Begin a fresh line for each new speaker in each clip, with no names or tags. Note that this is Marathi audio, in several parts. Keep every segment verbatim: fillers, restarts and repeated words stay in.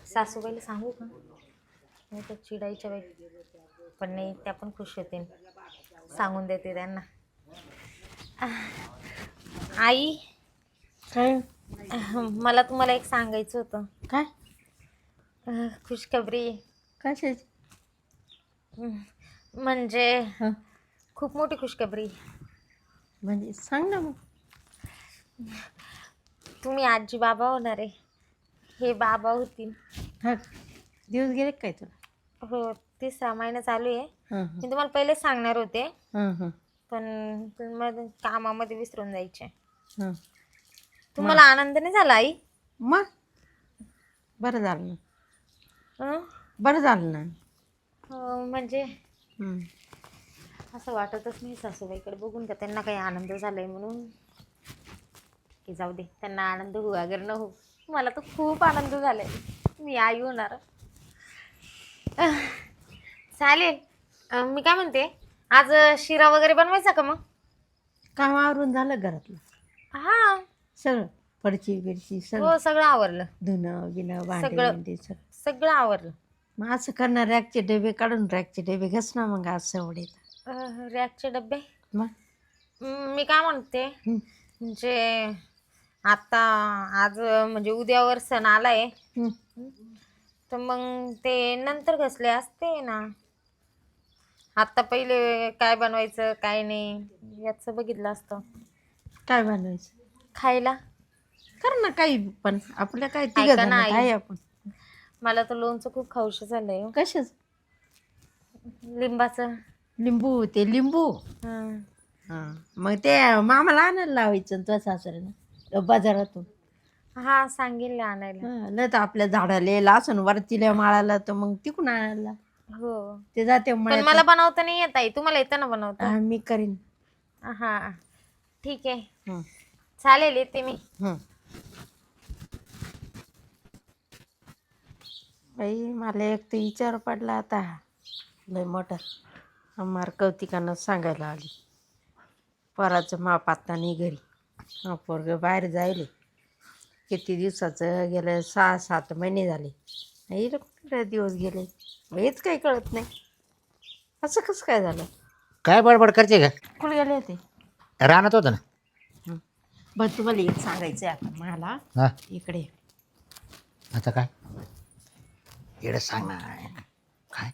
सासूबाईला सांगू का? नाही तर चिडायच्या बाई, पण नाही, त्या पण खुश होतील. सांगून देते त्यांना. आई,
काय
मला तुम्हाला एक सांगायचं होतं.
काय
अह, खुशखबरी.
कशाची?
म्हणजे
हं,
खूप मोठी खुशखबरी.
म्हणजे सांग ना मग.
तुम्ही आजी बाबा होणार आहे. हे बाबा होतील.
हा, दिवस गेले काय तुला?
हो, तिसरा महिना चालू आहे.
हां
मी तुम्हाला पहिलेच सांगणार होते,
हां हां
पण तुम्ही कामामध्ये विसरून जायचे.
हां.
तुम्हाला आनंद नाही झाला आई?
मग बरं झालं ना,
हं?
बरं झालं ना.
हो, म्हणजे
हं.
असं वाटतच नाही सासूबाईकडे बघून का त्यांना काही आनंद झालाय म्हणून. की जाऊ दे, त्यांना आनंद हो अगर न हो, मला तर खूप आनंद झालाय. मी आई होणार. अह, चालेल. अं, मी काय म्हणते, आज शिरा वगैरे बनवायचा का मग?
काम आवरून झालं घरातलं
हा.
सगळं, फडची बिरची सगळं,
हो, सगळं आवरलं.
धुणं बिणं भांडे
सगळं
बिंडे सगळं.
सगळं आवरलं.
मग असं करणार, रॅकचे डबे काढून रॅकचे डबे घस ना मग आज सवडीत.
अह, रॅकचे डबे.
मग
हम्म, मी काय म्हणते,
हं,
म्हणजे आता आज म्हणजे उद्यावर सण आलाय,
हं.
तर मग ते नंतर घसले असते ना. आता पहिले काय बनवायचं काय नाही याचं बघितलं असतं.
काय बनवायचं?
खायला.
कर ना काही पण, आपल्या काय तिघ
ऐका ना
जण
आई,
आहे आपण.
मला तर लोणचं खूप खाऊशी झालंय हो.
कशाच?
लिंबाचं.
लिंबू, ते लिंबू.
हं.
हां, मग ते मामाला आणायला लावायचं तुझ्या सासऱ्यानं बाजारातून.
हा, सांगेल ना आणायला.
हां, नाही तर आपल्या झाडाला येईल असं वरतील्या माळाला, तर मग तिकून आणायला
हो,
ते जाते
पण
मळ्यात.
मला बनवता नाही येत आई. तुम्हाला येतं ना बनवता?
हां, मी करीन.
हा, ठीक आहे,
हं,
चालेल, येते मी.
हं. बाई मला एक तर विचार पडला आता लय मोठा. मार कौतिकानं सांगायला आली, पोराचं माप आता नाही घरी. हा, पोरगं बाहेर जायले किती दिवसाचं, गेलं सहा सात महिने झाले. येईल कुठे दिवस गेले, हेच काही कळत नाही. असं कसं काय झालं?
काय बडबड करते का?
कुठे गेले होते?
राहणार होतं ना.
हं. बरं, तुम्हाला एक सांगायचं आहे आता मला.
हा,
इकडे
आता काय एवढं सांग ना. काय?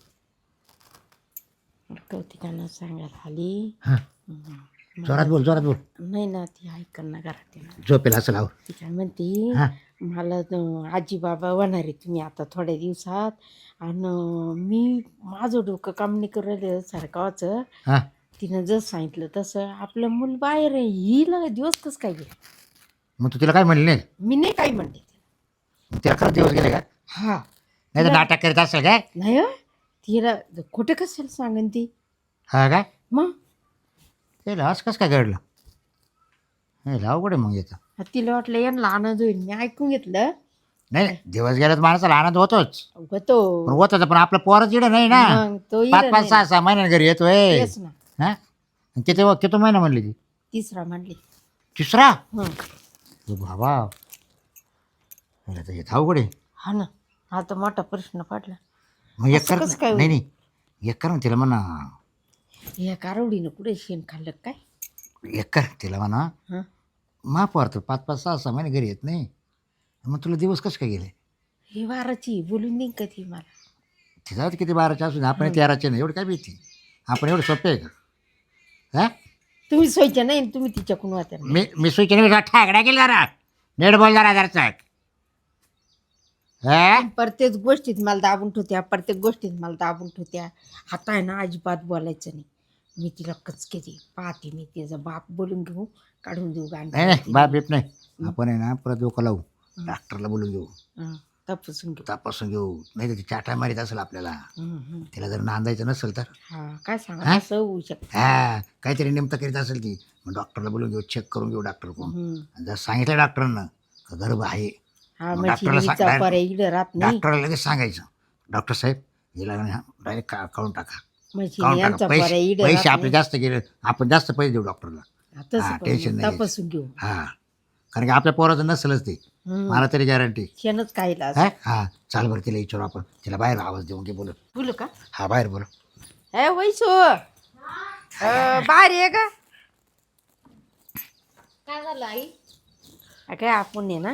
कौतिकानं सांगायला आली.
हां,
हं.
जोरात बोल, जोरात बोल.
नाही ना, ती ऐकन ना घरात आहे ना.
झोपेल असं लाव.
ती काय म्हणते,
हां,
मला त- आजी बाबा होणार आहे तुम्ही आता थोड्या दिवसात, आणि मी माझं डोकं काम नाही करू राहिलं सारखाचं.
हां.
तिनं जसं सांगितलं तसं आपलं मूल बाहेर आहे, हिला दिवस कसं काय गेलं?
मग तू तिला काय म्हणली नाही?
मी नाही काही म्हणते तिला.
तिला खरंच दिवस गेले का?
हा,
नाही तर नाटक करीत असेल काय?
नाही हो, तिला खोटं कशाला सांगन ती.
हा काय?
मग
ते असं कसं काय घडलं? हे अवघड आहे मग येतं.
तिला वाटलं यांना आनंद होईल, मी ऐकून घेतलं.
नाही, दिवस गेला तर माणसाला आनंद होतोच,
होतो
पण होतं पण आपलं पोरच इडं नाही ना.
मग तो
पाच
इडं
पाच
नाही.
सहा सहा महिन्याने घरी येतोय.
तेच ना,
हा, किती किती महिना म्हणली ती?
तिसरा म्हणली.
तिसरा?
हं.
ए बाबा, मला तर येत अवघड आहे.
हा ना, हा तर मोठा प्रश्न पडला.
मग एक
असं
कर
कसं काय
नाही
होईल?
नाही एक कर ना तिला म्हणा.
या कारवडीनं कुठे शेण खाल्लं काय?
एक कर तिला म्हणा,
हं.
माफ वाटतं पाच पाच सहा सहा महिने घरी येत नाही, मग तुला दिवस कसं काय गेले?
ही वाराची बोलून देईन का ती मला?
तिचा किती बाराचे असून आपण
हं.
तेराचे नाही, एवढं काय भीती? आपण एवढं सोपे आहे का? हा,
तुम्ही सोयच्या नाही, तुम्ही तिच्याकडून वाचा.
मी मी सुईच्या नाही ठाकड्या गेला जरा नेट बोल जरा जरा हा.
प्रत्येक गोष्टीत मला दाबून ठेवत्या, प्रत्येक गोष्टीत मला दाबून ठेवत्या. आता आहे ना, अजिबात बोलायचं नाही. मी तिला कचके दे पाहते, मी तिचा बाप बोलून घेऊ, काढून देऊ
नाही नाही
गांड.
बाप बीप नाही, आपण आहे ना परत डोकं लावू, डॉक्टरला बोलून घेऊ,
तपासून घेऊ.
तपासून घेऊ. नाही तर ती चाटा मारीत असेल आपल्याला.
हं, हं.
तिला जर नांदायचं नसेल तर
हा, काय सांगा,
हा?
असं होऊ शकतं.
हा, काहीतरी नेमकं करीत असेल ती, मग डॉक्टरला बोलून घेऊ, चेक करून घेऊ डॉक्टर कोण.
हं.
जर सांगितलं डॉक्टरांना का गर्भ आहे,
हा,
मग
म्हणजे
डॉक्टरला
हिचा
सांग
पर्याय इकडं राहत नाही.
डॉक्टरला लगेच सांगायचं, डॉक्टर साहेब हिला डायरेक्ट काढून टाका,
म्हणजे
काढून
यांचा
टाका.
पर्याय
पैसे
इकडं
पैसे
राहत
आपले
नाही.
जास्त गेले, आपण जास्त पैसे देऊ डॉक्टरला.
तसं
हा,
पण
टेन्शन
मग
नाही
तपासून घेऊ.
हा, कारण की आपल्या पोराचं नसलंच ते
हम्म.
मला तरी गॅरंटी
शेणच खायला असं.
हा हा चाल बरं तिला विचारू आपण तिला बाहेर आवाज देऊन घे बोलू
बोलू का
हा बाहेर बोलू
ए वैसू अं, बाहेर ये का
काय झालं आई?
अ, काय आपण ये ना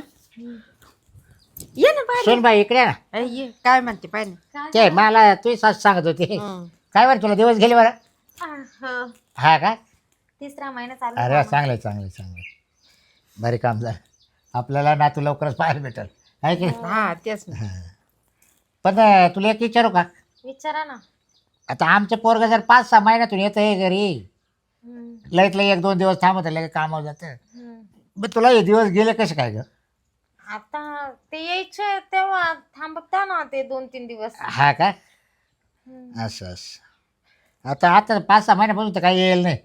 ये ना बाहेर
सोन बाई इकडे ये ना
ए, ये काय म्हणते पाय ना
काय
ते मला तुझी सास सांगत होती
हम्म.
काय बरं तुला दिवस गेले बरं
झालं?
हा का
तिसरा महिना चालू
अरे
आहे.
चांगलं आहे चांगलं आहे चांगलं आहे. भारी काम झालं आपल्याला नातू लवकरच पाहायला भेटेल आहे की नाही?
हा तेच ना
पण अं, तुला एक विचारू का
विचारा ना.
आता आमचं पोरग जर पाच सहा महिन्यातून येतं आहे घरी
हम्म,
लईत लई एक दोन दिवस थांबत लगे कामावर जातं
हम्म.
मग तुला हे दिवस गेले कसे काय ग
आता ते यायचे तेव्हा थांबता ना ते दोन तीन दिवस.
हा का
हम्म.
असं असं आता आता पाच सहा महिन्यापासून तर काही येईल नाही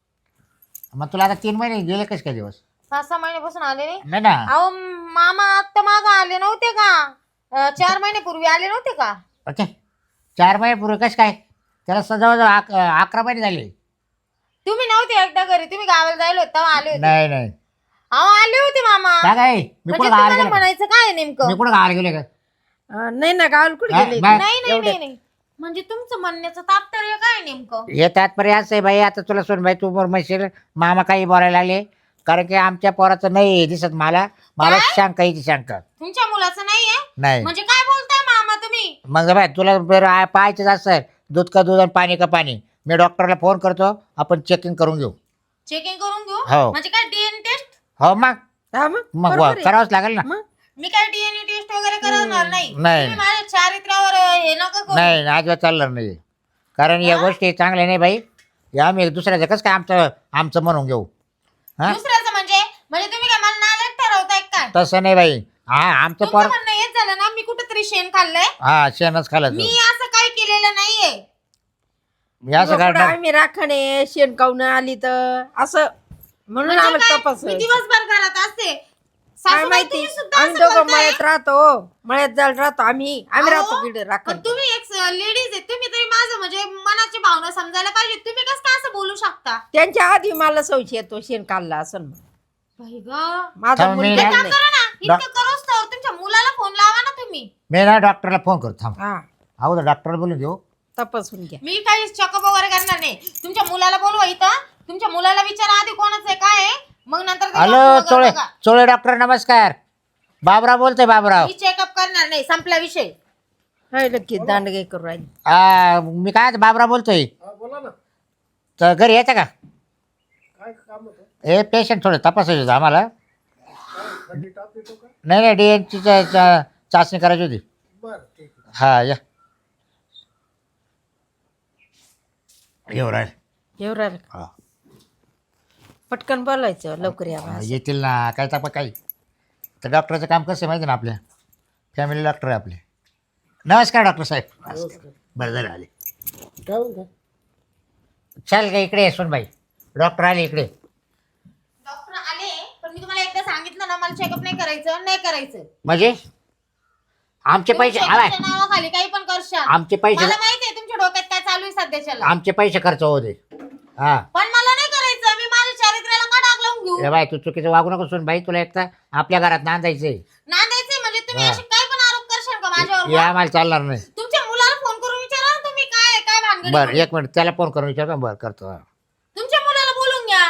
मग तुला आता तीन महिने गेले कसे काय दिवस
पाच सहा महिन्यापासून आले नाही.
नाही ना
अहो मामा आत्ता माग आले नव्हते का? अं, चार महिन्यापूर्वी आले नव्हते का?
ओके चार महिन्यापूर्वी कसं काय त्याला जवळजवळ अक- अकरा महिने झाले
तुम्ही नव्हते एकदा घरी, तुम्ही गावाला जायला होते तेव्हा आले होते.
नाही नाही
अहो आले होते मामा.
काय काय मी
म्हणजे
कुठं गावाला
तुम्हाला
गेलो का?
म्हणायचं काय नेमकं?
मी कुठं गावाला गेले का
अं, नाही ना गावाला कुठे
हा,
गेले
बाय.
नाही नाही नाही नाही म्हणजे तुमचं म्हणण्याचं तात्पर्य काय नेमकं?
हे तात्पर्य असं आहे बाई आता तुला सोन बाई तू बरं म्हणशील मामा काही बोलायला लागले कारण की आमच्या पोराचं नाही दिसत मला मला
काय?
शंका येते शंका
तुमच्या मुलाचं नाहीये
नाही
म्हणजे काय बोलताय मामा तुम्ही?
मग बाय तुला बरं आ- पाहायचंच असं दूध का दूध आणि पाणी का पाणी मी डॉक्टरला फोन करतो आपण चेकिंग करून घेऊ
चेकिंग करून घेऊ
हो.
म्हणजे काय डीएनए टेस्ट?
हो मग
हा मग
मग
बरोबर आहे.
करावंच लागेल ना
मग
मी काय डीएनए टेस्ट वगैरे करणार नाही.
नाही.
तुम्ही माझ्या चारित्र्यावर अं, हे नका करू.
नाही अजिबात चालणार नाही कारण या गोष्टी चांगल्या नाही बाई या आम्ही दुसऱ्याचं कसं काय आमचं आमचं म्हणून घेऊ हा
दुसऱ्याचं म्हणजे म्हणजे तुम्ही काय मला नालायक ठरवताय काय?
तसं नाही बाई हा आमचं
तुमचं
पोर
म्हणणं हेच झालं ना मी कुठेतरी शेण खाल्लंय.
हा शेणच खाल्लं
मी असं काही केलेलं नाहीये.
मी असं
तुझं कुठं
काढणार
आम्ही राखणे शेण खाऊन आली तर असं म्हणून
म्हणजे
आम्हाला
काय?
तपास
मी दिवसभर घरात असते.
काय
सासूबाई
माहिती
तुम्ही सुद्धा
आम्ही
असं
दोघं
बोलताय?
मळ्यात राहतो मळ्यात जायला राहतो आम्ही आम्ही
अहो,
राहतो तिकडे राखण
पण तुम्ही एक लेडीज आहे, तुम्ही तरी माझं म्हणजे मनाची भावना समजायला पाहिजे. तुम्ही कसं काय असं बोलू शकता?
त्यांच्या आधी मला संशय येतो शेण खाल्ला असं
बाई गं.
माझा
थांब, मी
मुलगा
ना-
काम
नाही.
करा ना, इतकं करोस तर तुमच्या मुलाला फोन लावा ना तुम्ही.
मी ना डॉक्टरला फोन करतो थांब
हा
अगोदर डॉक्टरला बोलून देऊ
तपासून घ्या
मी काही चेकअप वगैरे करणार नाही. तुमच्या मुलाला बोलवा इथं. तुमच्या मुलाला विचारा आधी कोणाचं आहे काय आहे, मग नंतर ते
हॅलो
डॉक्टर वगैरे
चोळे
बघा.
चोळे डॉक्टर नमस्कार बाबराव बोलतोय बाबराव
मी चेकअप करणार नाही, संपला विषय.
राहिलं की दांडगे करू राहिली
आ, मी काय बाबराव बोलतोय तर घरी यायचं का हे पेशंट थोडं तपासायचं होतं आम्हाला नाही नाही डीएनची चाचणी करायची होती हा या येऊ राहील
येऊ राहिलं
हा
पटकन बोलायचं लवकर या बा.
येतील ना काय तपा काही तर डॉक्टरचं काम कसं आहे माहिती ना आपल्या फॅमिली डॉक्टर आहे आपले नमस्कार डॉक्टर साहेब बरं झालं आले चल का इकडे ये सोनबाई डॉक्टर आले इकडे
डॉक्टर आले पण मी तुम्हाला एकदा सांगितलं ना मला चेकअप नाही करायचं नाही करायचं.
म्हणजे आमचे
तुम्ही
पैसे
check-up
आवाय
च्या नावाखाली काही पण करशाल.
आमचे पैसे
मला माहिती आहे तुमच्या डोक्यात काय चालू आहे सध्याच्याला.
आमचे पैसे खर्च होऊ दे हा
पण मला नाही करायचं. मी माझ्या चारित्र्याला का डाग लावून घेऊ?
ए बाय तू चुकीचं वागू नको सोन बाई तुला एक तर आपल्या घरात नांदायचंय
नांदायचंय म्हणजे तुम्ही
हा.
असे काय पण आरोप करशाल का माझ्यावर?
हे आम्हाला चालणार नाही
तुमच्या मुलाला फोन करून विचारा ना तुम्ही काय आहे, काय भानगड आहे
बरं
म्हणून.
एक मिनिट त्याला फोन करून विचारतो बरं करतो
तुमच्या मुलाला बोलून घ्या.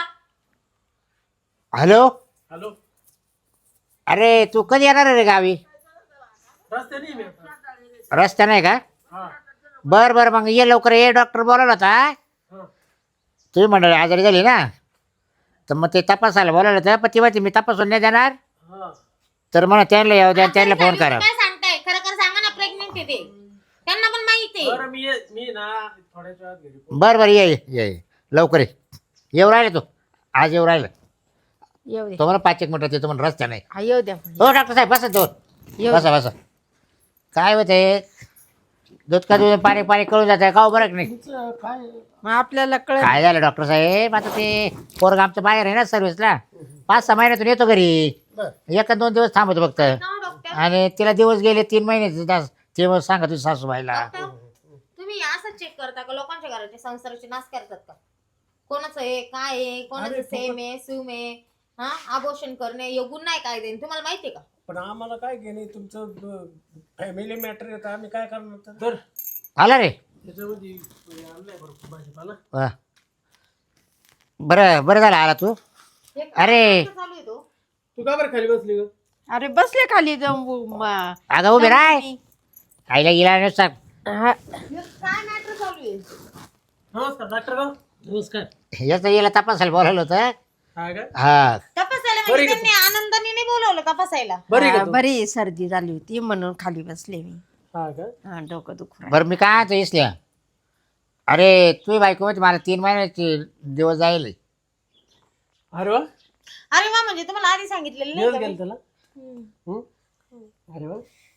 हॅलो
हॅलो
अरे तू कधी येणार आहे रे गावी
रस्त्याने मी आता.
रस्ता नाही का
हा
बरं बरं मग ये लवकर ये डॉक्टर बोलावला होता
हा
तुम्ही मंडळी आजारी झाली ना तर मग ते तपासायला बोलावलं होतं पण ती माहिती मी तपासून नाही देणार
हा
तर म्हणा त्यांना येऊ द्या त्यांना
आता
फोन
तुम्ही
करा
काय सांगताय खरं खरं सांगा ना प्रेग्नेंट आहे ते. त्यांना पण माहिती आहे.
बरं मी ये- मी ना थोड्याच वेळात घरी पोहोचतो.
बरं बरं ये ये, ये ये. लवकर ये येऊ राहिलं तू आज येऊ राहिलं
येऊ दे
तो मला पाच एक मिनिटात येतो म्हणून रस्ता नाही
हा येऊ द्या
हो डॉक्टर साहेब बसा दोन
येऊ
बसा बसा काय होते दूध का दूध पाणी पाणी कळून जात आहे का हो बरं की नाही
तुमचं काय
मग आपल्याला कळत
काय झालं डॉक्टर साहेब आता ते पोरग आमचं बाहेर आहे ना सर्व्हिसला पाच सहा महिन्यातून येतो घरी
बरं.
एक दोन दिवस थांबतो फक्त
ना डॉक्टर
आणि तिला दिवस गेले तीन महिने ते मग सांगा तुझ्या सासूबाईला
डॉक्टर, तुम्ही असं चेक करता का लोकांच्या घराचे संसाराचे नाश करतात का? कोणाचं आहे काय आहे कोणाचं
अरे,
सेम आहे सूम आहे हा अबॉर्शन करणे हे गुन्हा नाही काय देईन तुम्हाला माहितीये का?
पण आम्हाला काय घेणे तुमचं फॅमिली मॅटर येतं आम्ही काय करणार तर? तर
आला रे
त्याच्यामध्ये आणलंय भरपूर भाजीपाला.
वा. बरं बरं झालं आला तू.
हे काय
अरे
नाटकं चालू आहे तो?
तू का बरं खाली बसली ग?
अरे बसले खाली जाऊन म-
अगं उभे राय आईला गेला नुसता.
हा,
हे काय मॅटर चालू आहे?
नमस्कार डॉक्टर राव. नमस्कार.
याचं याला तपासायला बोलावलं होतं.
हा का?
हा
तपासायला
बरी
म्हणजे
का
त्यांनी आनंदाने नाही बोलवलं तपासायला.
बरी
हा,
का तू?
बरी सर्दी झाली होती म्हणून खाली बसले मी.
हा का?
हा डोकं दुखू
बरं मी काय आता इसल्या अरे तुझी बायको होती मला तीन महिन्याचे दिवस जायले.
अरे वा.
अरे वा म्हणजे तुम्हाला आधी सांगितलेलं नाही
दिवस
का
गेले
मी?
त्याला.
हम्म.
हम्म? अरे वा.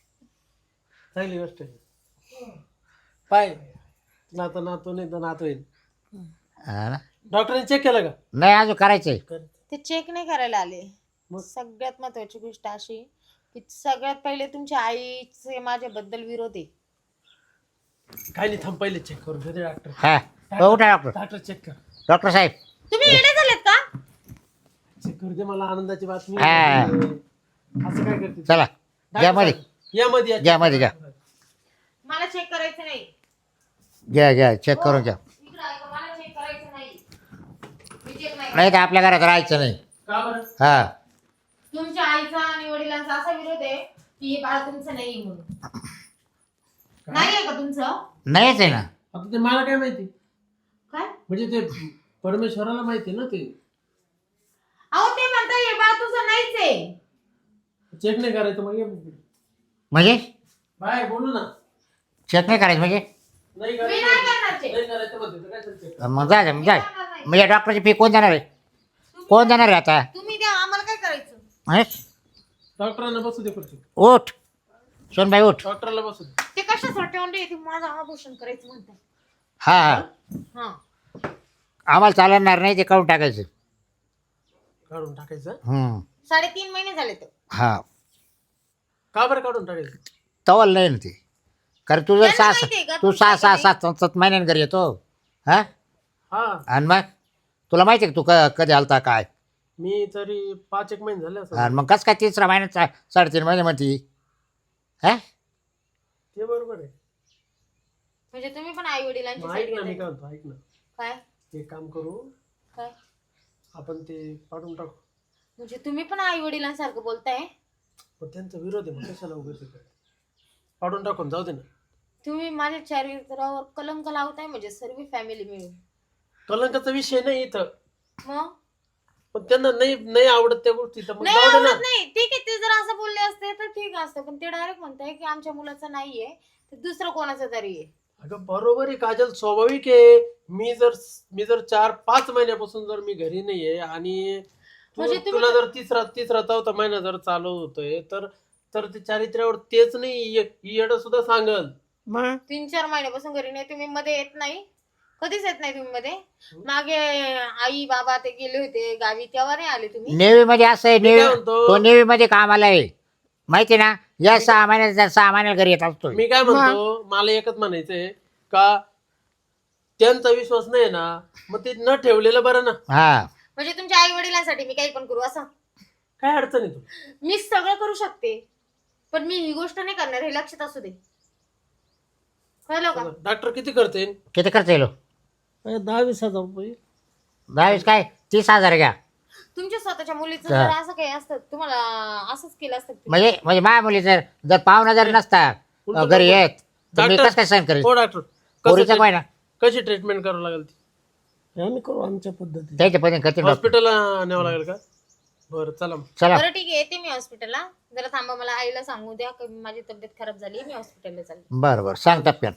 चांगली गोष्ट आहे. पाय नातं नातू नाही तर नातू येईल.
हा ना?
डॉक्टरने चेक केलं का?
नाही अजून करायचंय.
ते चेक नाही करायला आले.
मग?
सगळ्यात महत्वाची गोष्ट अशी की सगळ्यात पहिले तुमच्या आईचे माझ्याबद्दल विरोध आहे.
काय नाही थांब पहिले चेक करून घेते डॉक्टर.
हा हो, उठा डॉक्टर.
डॉक्टर चेक कर.
डॉक्टर साहेब
तुम्ही येणे झालेत का?
चेक करू दे मला आनंदाची बातमी.
हा.
असं काय करते?
चला घ्या मध्ये
या मध्ये या.
घ्या मध्ये घ्या
मला चेक करायचं नाही.
घ्या घ्या चेक करून घ्या.
इकडं ऐका, मला चेक करायचं नाही. मी चेक नाही.
नाही तर आपल्या घरात राहायचं नाही.
का बरं?
हा
तुमच्या आईचा आणि वडिलांचा असा विरोध आहे की हे बाळ तुमचं नाही म्हणून. नाही आहे का तुमचं?
नाहीच आहे ना.
आता ते मला काय माहिती
काय?
म्हणजे ते परमेश्वराला माहिती ना ते.
अहो ते म्हणता हे बाळ तुझं नाहीच आहे.
चेक नाही करायचं मग ये.
म्हणजे
बाय बोलू ना.
चेक नाही करायचं म्हणजे
नाही
मी
करायचं
नाही करणार चेक.
नाही करायचं म्हणते तर काय चेक.
मग जा जा, मग जा.
करणार नाही.
म्हणजे डॉक्टरची फी कोण देणार आहे? कोण देणार आहे आता?
तुम्ही द्या आम्हाला काय करायचं?
हे?
डॉक्टरांना बसू दे खुर्ची.
उठ सोनबाई उठ.
डॉक्टरला बसू दे.
ते कशासाठी आणले? ते माझं आभूषण करायचं म्हणताय.
हा हा
हा.
आम्हाला चालणार नाही ते काढून टाकायचं.
काढून टाकायचं.
हम्म
साडेतीन महिने झाले तर.
हा
का बरं काढून टाकायचं?
तवल नाही ना ते. कारण तू जर
त्यांना
सहा
माहिती आहे का
तू
तुमचं
सहा सहा
किती?
सात सात सात महिन्यानं घरी येतो. हा
हा
आणि मग तुला माहिती आहे का तू क कधी आलता काय?
मी तरी पाच एक महिने झाले असं.
आणि मग कसं काय तिसरा महिन्यात सा- साडेतीन महिने म्हणती? हा
ते बरोबर आहे.
म्हणजे तुम्ही पण आई वडिलांची
मग
साईड
ऐक ना मी
घेताय.
काय म्हणतो ऐक ना.
काय
एक काम करू
काय
आपण ते काढून टाकू.
म्हणजे तुम्ही पण आई वडिलांसारखं बोलताय.
पण त्यांचा विरोध आहे मग कशाला उगाच हे करायचं? काढून टाकून जाऊ दे ना.
तुम्ही माझ्या चरित्रावर कलंक लावताय म्हणजे सर्व फॅमिली मिळून.
कलंकाचा विषय नाही इथं.
मग
पण त्यांना नाही नाही आवडत त्या गोष्टी तर मग
नाही
जाऊ दे
आवडत
ना.
नाही. ठीक आहे ते जर असं बोलले असते तर ठीक असतं पण ते डायरेक्ट म्हणताय की आमच्या मुलाचं नाहीये ते दुसरं कोणाचं तरी आहे.
अगं बरोबर आहे काजल स्वाभाविक आहे. मी जर मी जर चार पाच महिन्यापासून जर मी घरी नाहीये आणि तू-
म्हणजे तुम्ही-
तुला जर तिसरा तिसरा चौथा महिना जर चालू होतोय तर तर ते चारित्र्यावर तेच नाही येड सुद्धा सांगल.
मग
तीन चार महिन्यापासून घरी नाही तुम्ही मध्ये येत नाही कधीच येत नाही तुम्ही मध्ये. मागे आई बाबा ते गेले होते गावी तेव्हा नाही आले तुम्ही.
नेव्ही मध्ये असं आहे
मी काय
नेव्ही
म्हणतो?
तो नेव्ही मध्ये कामाला आहे माहिती ना. या सहा महिन्यात सहा महिन्याला घरी येत असतो.
मी काय म्हणतो मला एकच म्हणायचंय का त्यांचा विश्वास नाही ना मग ते न ठेवलेलं बरं ना.
हा
म्हणजे तुमच्या आई वडिलांसाठी मी काही पण करू असं.
काय अडचण आहे तू?
मी सगळं करू शकते पण मी ही गोष्ट नाही करणार हे लक्षात असू दे. कळलं का?
डॉक्टर किती करते?
किती खर्च येलो?
दहा वीस हजार रुपये.
दहावीस काय तीस हजार घ्या.
तुमच्या स्वतःच्या मुलीचं
हा.
जर असं काही असतं तुम्हाला असंच केलं असतं तुम्ही.
म्हणजे म्हणजे माझ्या मुली जर जर पाहुणा जर नसता
उलटं
घरी
नको.
येत तर मी
डॉक्टर-
कसं काय सहन करेल?
हो डॉक्टर
पोरीचा
कसं
काय ना
कशी ट्रीटमेंट करावं लागेल ती? आम्ही करू आमच्या पद्धतीने.
त्याच्या पद्धतीने करतील डॉक्टर.
हॉस्पिटलला न्यावं लागेल का? बरं चला मग.
चला
बरं ठीक आहे येते मी हॉस्पिटलला. जरा थांबा मला आईला सांगू द्या की माझी तब्येत खराब झाली मी हॉस्पिटलला चालले.
बरं बरं सांग टप्प्यात.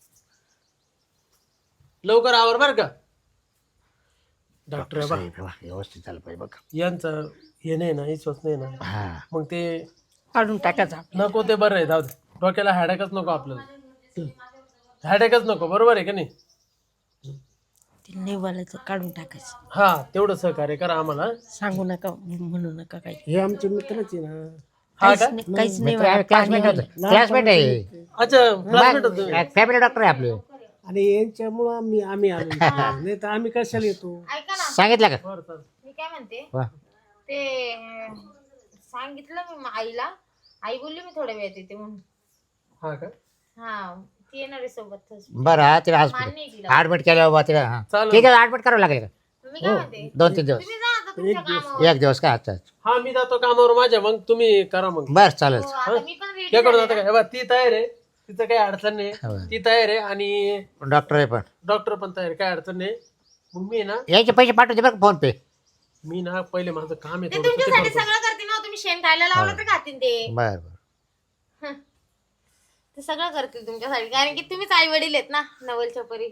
लवकर आवर बर का डॉक्टर आहे बा.
साहेब, वा, व्यवस्थित झालं पाहिजे बघ.
यांचा हे नाही ना विश्वास नाही ना
हा
मग ते
काढून टाकायचा.
नको ते बरं आहे जाऊ दे. डोक्याला हॅडेकच नको आपल्याला. हॅडेकच नको बरोबर आहे का नाही?
ते निवालाचं काढून टाकायचं.
हा तेवढं सहकार्य करा आम्हाला.
सांगू नका म्हणू नका काही.
हे आमचे मित्रच आहे ना. हा
काहीच
का?
नाही काहीच नाही
मित्र आहे, क्लासमेट होतं क्लासमेट आहे.
अच्छा classmate होते.
फॅमिली डॉक्टर आहे आपले.
आणि यांच्यामुळं आम्ही आम्ही आलो नाही तर आम्ही कशाला येतो.
ऐका ना
सांगितलं का?
बरं चालेल.
मी काय म्हणते
वा.
ते अं, सांगितलं मी मा- आईला. आई बोलली मी थोड्या वेळात येते म्हणून.
हा का
हा ती येणार आहे सोबतच.
बरं हा तिला
मान्य
हॉस्पिटल
आहे तिला.
ॲडमिट केलं बाबा तिला हां
चालेल.
ठीक आहे ॲडमिट करावं लागेल का
मी काय म्हणते
दोन तीन दिवस
तुम्ही जा आता तुमच्या
एक दिवस.
कामावर.
एक दिवस काय अच्छा अच्छा
हा मी जातो कामावर माझ्या, मग तुम्ही करा मग.
बरं चालेल
हो, आता मी पण ready
ते करून
झाले
जाता
ना.
का हे बघ, ती तयार आहे, तिचं काही अडचण नाही.
हो.
ती तयार आहे आणि
डॉक्टर आहे पण
डॉक्टर पण तयार आहे, काय अडचण नाही. मग मी ना
यायचे पैसे पाठवते बरं फोन पे
मी ना पहिले माझं काम आहे
ते
थोडं, ते
तुमच्यासाठी
करतो.
सगळं करते ना. तुम्ही शेण खायला लावलं तर खातील ते.
बरं बरं
ते सगळं करतील तुमच्यासाठी, कारण की तुम्हीच आई वडील आहेत ना नवलच्या परी.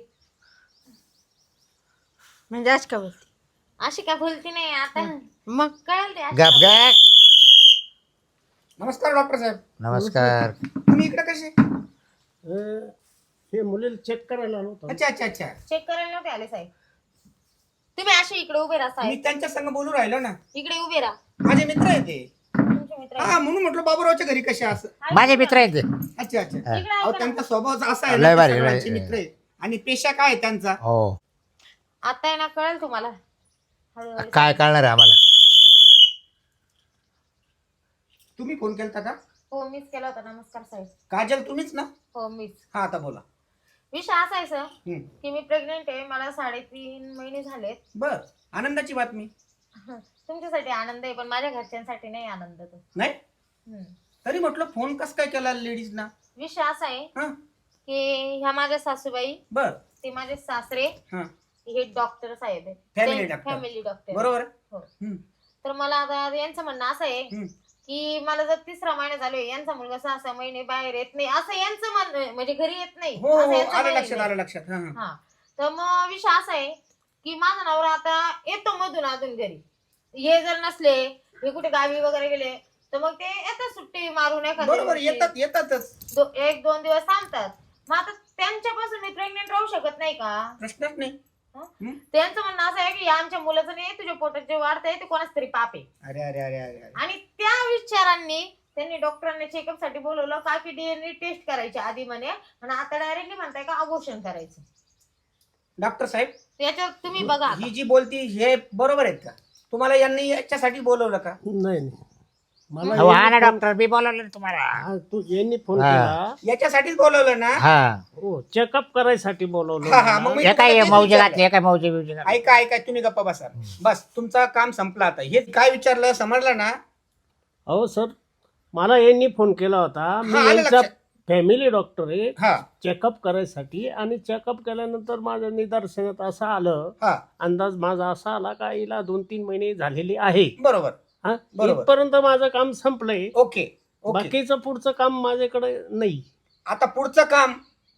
म्हणजे आज का बोलते
अशी काय बोलती नाही आता.
मग
कळेल ते.
गप गप
नमस्कार डॉक्टर साहेब.
नमस्कार
तुम्ही इकडे कसे?
अं, हे मुलीला चेक करायला आलो होतो.
अच्छा अच्छा अच्छा.
चेक करायला नव्हते आले साहेब. तुम्ही असे इकडे उभे राहा
मी
साहेब.
त्यांच्या संग बोलू राहिलो ना.
इकडे उभे राहा.
माझे मित्र आहे ते.
तुमचे मित्र आहेत.
हा म्हणून म्हटलं बाबूरावच्या घरी कसे असं.
माझे मित्र आहेत ते.
अच्छा अच्छा.
इकडे
अहो
ऐका ना.
त्यांचा स्वभाव असा आहे
लय
ना,
भारी,
ते
लय-
सगळ्यांचे मित्र आहे. आणि पेशा काय आहे त्यांचा?
हो
आता आहे ना कळेल तुम्हाला हळूहळू.
काय कळणार आहे आम्हाला
तुम्ही फोन केलता का?
हो मीच केला होता. नमस्कार साहेब.
काजल तुम्हीच ना?
हो मीच.
हा आता बोला.
विषय असा आहे सर
हम्म.
की मी प्रेग्नेंट आहे. मला साडेतीन महिने झालेत.
बर आनंदाची बातमी.
तुमच्यासाठी आनंद आहे पण माझ्या घरच्यांसाठी नाही आनंद तो.
नाही
हम्म.
तरी म्हटलं फोन कस काय केला लेडीज ना?
विषय असा आहे
हा
की ह्या माझ्या सासूबाई,
बर
ते माझे सासरे,
हा
हे डॉक्टर साहेब
Family
आहेत.
doctor.
Family doctor.
बरोबर.
हो.
हम्म.
तर मला आता यांचं म्हणणं असं आहे
हम्म.
की मला जर तिसरा महिना चालू आहे, यांचा मुलगा सहा सहा महिने बाहेर येत नाही असं यांचं म्हणणं आहे. म्हणजे घरी येत नाही
हो
असं
हो
यांचं
आलं
म्हणणं
लक्षात
आहे.
आलं लक्षात. हा हा.
हा तर मग विषय असा आहे की माझा नवरा आता येतो मधून अजून घरी. हे जर नसले, हे कुठे गावी वगैरे गेले तर मग ते येतात सुट्टी मारून एखाद्या
बरोबर
दिवशी.
येतात येतातच.
दो- एक दोन दिवस थांबतात. मग आता त्यांच्यापासून मी प्रेग्नेंट राहू शकत नाही का?
प्रश्नच नाही.
हं?
हं?
त्यांचं म्हणणं असं आहे की या आमच्या मुलाचं नाही, तुझ्या पोटात जे वाढतंय ते कोणाच तरी पाप आहे.
अरे अरे अरे अरे अरे.
आणि त्या विचारांनी त्यांनी डॉक्टरांनी चेकअप साठी बोलवलं का की डीएनए टेस्ट करायची आधी म्हणे, आणि आता डायरेक्टली म्हणताय का अबॉर्शन करायचं.
डॉक्टर साहेब
याच्यावर तुम्ही बघा आता.
ही जी बोलती हे बरोबर आहेत का? तुम्हाला यांनी याच्यासाठी बोलवलं का?
नाही नाही मला
हो हा ना
यांनी फोन-
डॉक्टर मी बोलवलं ना तुम्हाला
हा, तू यांनी फोन
हा.
केला.
याच्यासाठीच बोलवलं ना?
हा
हो चेकअप करायसाठी बोलवलं
हा हा
मला.
मग मी
हे काय
तुम्हाला तेच
मौजे
विचारलं.
घातली हे काय मौजे बिवजे घातली
ऐका ऐका तुम्ही गप्पा बसा. बस तुमचं काम संपलं आता. हे काय विचारलं समजलं ना?
अहो सर मला यांनी फोन केला होता. मी
हा, आलं
यांचा
लक्षात.
फॅमिली डॉक्टर आहे,
हा
चेकअप करायसाठी. आणि चेकअप केल्यानंतर माझ्या निदर्शनात असं आलं,
हा
अंदाज माझा असा आला का हिला दोन तीन महिने झालेले आहे.
बरोबर.
हा
बरोबर.
इथपर्यंत माझं काम संपलंय.
Okay okay.
बाकीचं पुढचं काम माझ्याकडे नाही.
आता पुढचं काम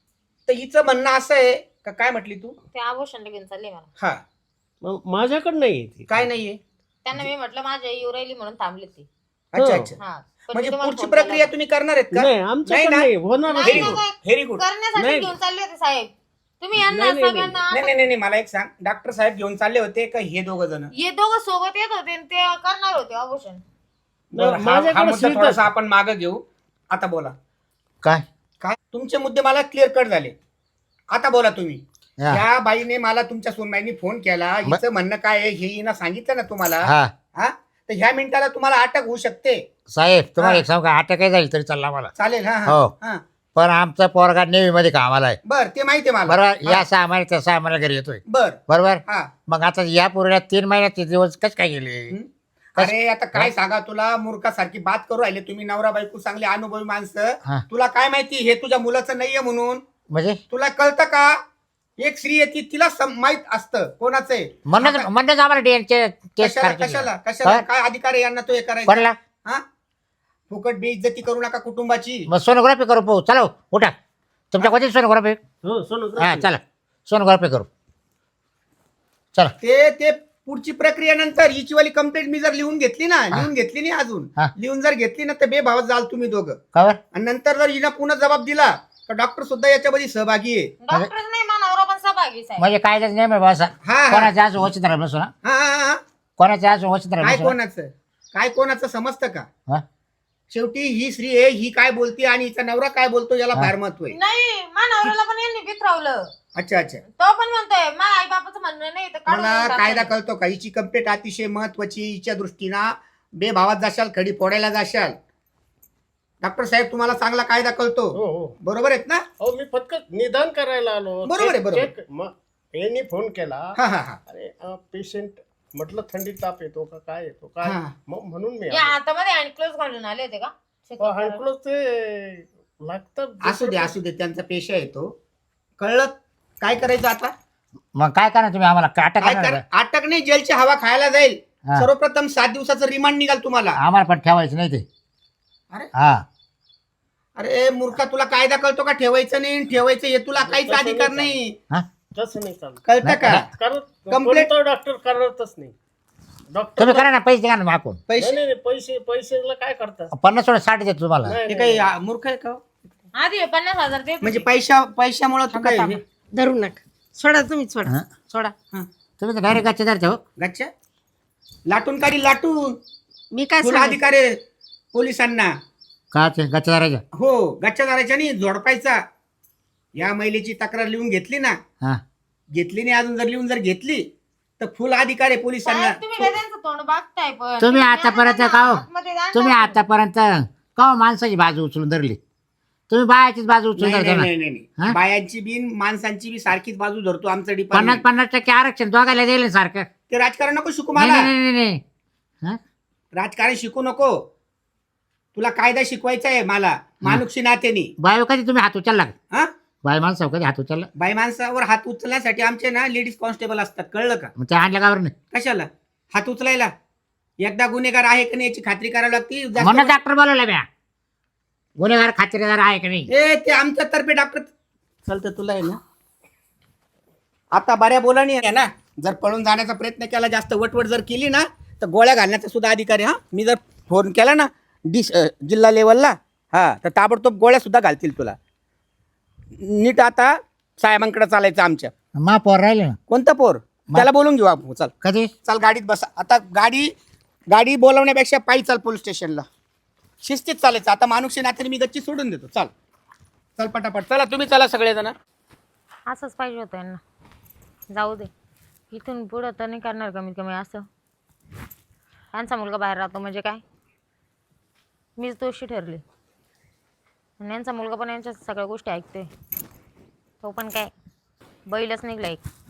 तर हिचं म्हणणं असं आहे का? काय म्हटली तू?
ते अबॉर्शनला घेऊन चालले मला.
हा
मग माझ्याकडे नाही ते.
काय नाहीये?
त्यांना मी म्हटलं माझ्या येऊ राहिली म्हणून थांबले ते.
अच्छा
हो.
अच्छा.
हा पण मी
म्हणजे
तुम्हाला
पुढची
फोन केला
प्रक्रिया
होता.
तुम्ही करणार आहेत का?
नाही आमच्याकडे
नाही ना?
नाही होणार
नाही
व्हेरी
ना,
गुड
काय?
Very good.
करण्यासाठी
नाही.
घेऊन चालले होते साहेब. तुम्ही यांना
नाही, नाही,
सगळ्यांना
नाही नाही नाही नाही, मला एक सांग. डॉक्टर साहेब घेऊन चालले होते का हे दोघ जण?
हे दोघं सोबत येत होते आणि ते करणार होते अबॉर्शन.
माझ्याकडे सुविधा-
थोडासा आपण मागे घेऊ. आता बोला.
काय
काय तुमचे मुद्दे मला क्लिअर कट झाले. आता बोला तुम्ही.
हा.
त्या बाईने मला तुमच्या सोनबाईनी फोन केला. हिचं म्हणणं काय आहे हे हिनं सांगितलं ना तुम्हाला?
हा
हा तर ह्या मिनिटाला तुम्हाला अटक होऊ शकते.
साहेब तुम्हाला
हा.
एक सांगू का अटक काही झाली तरी चालला मला
चालेल. हा
हो.
हा हा
पण आमचा पोरगा नेव्ही मध्ये कामाला आहे
बर ते माहिती आहे मला.
बरोबर.
हा.
या सहा महिन्यात त्या सहा महिन्यात घरी येतोय
बर
बरोबर.
हा.
मग आता या पोरीला तीन महिन्याचे दिवस कस काय गेले?
हं? अरे आता काय सांगा तुला, मूर्खासारखी बात करू राहिले तुम्ही. नवरा बायको चांगले अनुभवी माणसं.
हा.
तुला काय माहिती हे तुझ्या मुलाचं नाहीये म्हणून?
म्हणजे
तुला कळतं का? एक स्त्री येते तिला सम- माहित असतं कोणाचं आहे.
म्हणणं
आता
म्हणणं आम्हाला डीएनचे टेस्ट
कशाला
करायची.
कशाला कशाला
हा?
काय अधिकार आहे यांना तो हे करायचा?
कोणाला?
हा फुकट बेइज्जती करू नका कुटुंबाची.
मग सोनोग्राफी करू पाहू. चला उठा तुमच्या कोणती सोनोग्राफी?
हो
हा
सोनोग्राफी.
चला सोनोग्राफी करू. चला
ते ते पुढची प्रक्रिया नंतर. हिची वाली कंप्लेंट मी जर लिहून घेतली ना, लिहून घेतली नाही अजून,
हा.
लिहून जर घेतली ना तर बेभावात जाल तुम्ही दोघं.
खबर
आणि नंतर जर हिनं पुन्हा जबाब दिला तर डॉक्टर सुद्धा याच्यामध्ये सहभागी आहे.
डॉक्टर नाही मानवरा पण सहभागी साहेब.
म्हणजे काय नेम आहे बसा.
हा हा
कोणाच्या आज वचित राहिलं बसू ना.
हा हा हा.
कोणाच्या आज वचित
काय
राहिलं बसू ना.
कोणाचं काय कोणाचं समजतं का?
हा?
शेवटी ही स्त्री आहे, ही काय बोलते आणि हिचा नवरा काय बोलतो याला फार महत्व आहे.
नाही मानवराला पण यांनी बिथरावलं.
अच्छा अच्छा
तो पण म्हणतोय माझ्या आई बापाचं म्हणणं नाही तर काढून
मला
देऊन
कायदा
टाकलंय.
कळतो का हिची कंप्लेंट अतिशय महत्वाची, हिच्या दृष्टीनं बेभावात जाशाल, खडी फोडायला जाशाल. डॉक्टर साहेब तुम्हाला चांगला कायदा कळतो,
हो हो
बरोबर आहेत ना?
अहो मी फक्त निदान करायला आलो.
बरोबर आहे,
चेक-
बरोबर.
चेक- मग यांनी फोन केला.
हा हा हा
अरे पेशंट म्हटलं थंडी ताप येतो का काय येतो काय,
हा.
मग म्हणून मी
या हातामध्ये हँडक्लोज घालून आले होते का check करायला?
हँडक्लोज ते लागतं.
असू दे असू दे, त्यांचा पेशा येतो. कळलं काय करायचं आता?
मग काय करणार तुम्ही आम्हाला काटा
काय
करणार
कर
का?
अटक नाही, जेलची हवा खायला जाईल.
हा.
सर्वप्रथम सात दिवसाचं रिमांड निघाल तुम्हाला.
आम्हाला पण ठेवायचं नाही ते.
अरे?
हा
अरे मूर्खा, तुला कायदा कळतो का? ठेवायचं नाही ठेवायचं हे तुला काहीच
तसं
अधिकार
नाही
नाही.
हा
तसं नाही चालत.
कळतं का?
करत
Complaint-
कोणता डॉक्टर करतच नाही. डॉक्टर
तुम्ही करा ना, पैसे द्या ना मागून.
नाही
पैसे
नाही नाही, पैसे पैसेला काय करतात?
पन्नास सोडा साठ देतो तुम्हाला.
नाही,
हे
नाही,
काही
नाही.
आ, मूर्ख आहे का?
आधी हे पन्नास हजार दे
म्हणजे पैशा पैशामुळे तू काय हे-
धरू नका, सोडा तुम्ही, सोडा
हा?
सोडा.
तुम्ही तर डायरेक्ट गच्चे धरते हो.
गच्च्या लाटून काढी लाटून
मी काय
तुला
सांगू?
अधिकार आहे पोलिसांना.
का ते गच्चे धरायचं?
हो, गच्च्या दाराच्या नाही, झोडपायचा. या महिलेची तक्रार लिहून घेतली ना,
हा
घेतली नाही अजून, जर लिहून जर घेतली तर फुल अधिकार आहे पोलिसांना.
साहेब, तुम्ही काय त्यांचं तोंड बघताय पण
तुम्ही
या
आतापर्यंत
ना,
का हो?
आतमध्ये जा ना.
तुम्ही आतापर्यंत का हो माणसाची बाजू उचलून धरली? तुम्ही बायाचीच बाजू उचलून
नाही
धरता
नाही
ना.
नाही नाही
हा?
नाही. बायांची बिन माणसांची बी सारखीच बाजू धरतो आमचं
पन्नास
डिपार्टमेंट.
पन्नास टक्के आरक्षण दोघायला दिलं सारखं.
ते राजकारण नको शिकू
नाही
मला.
नाही नाही नाही हा?
राजकारण शिकू नको. तुला कायदा शिकवायचा आहे मला मानुक्षी नात्याने.
बायो कधी तुम्ही हात उचलला का?
हा,
बाय माणसावर कधी हात उचलला?
बाई माणसावर हात उचलण्यासाठी आमचे ना लेडीज कॉन्स्टेबल असतात, कळलं का?
मग ते आणल्या का बरं नाही?
कशाला हात उचलायला? एकदा गुन्हेगार आहे का नाही याची खात्री करावी लागते. जास्त-
म्हणून डॉक्टर बोलवला म्या. गुन्हेगार खात्रीदार आहे का नाही?
ए ते आमच्या तर्फे डॉक्टर चालतं तुला आहे ना. आता बऱ्या बोलानी आहे ना, जर पळून जाण्याचा प्रयत्न केला, जास्त वटवट जर केली ना, तर गोळ्या घालण्याचा सुद्धा अधिकार आहे. हा, मी जर फोन केला ना डिस अ, जिल्हा लेवलला, हा, तर ताबडतोब गोळ्या सुद्धा घालतील तुला. नीट आता साहेबांकडे चालायचं आमच्या.
मा पोर राहिले ना
कोणतं पोर? त्याला बोलून घेऊ आपण. चल
कधी?
चाल गाडीत बसा. आता गाडी गाडी बोलवण्यापेक्षा पायी चाल पोलीस स्टेशनला. शिस्तीत चालायचं. आता मानुक्षी नात्याने मी गच्ची सोडून देतो. चाल चल पटापट. चला तुम्ही चला सगळेजण.
असंच पाहिजे होतं यांना. जाऊ दे, इथून पुढं तर नाही करणार कमीत कमी असं. यांचा मुलगा बाहेर राहतो म्हणजे काय, मीच दोषी ठरले. आणि यांचा मुलगा पण यांच्या सगळ्या गोष्टी ऐकतोय. तो पण काय बैलच निघला एक.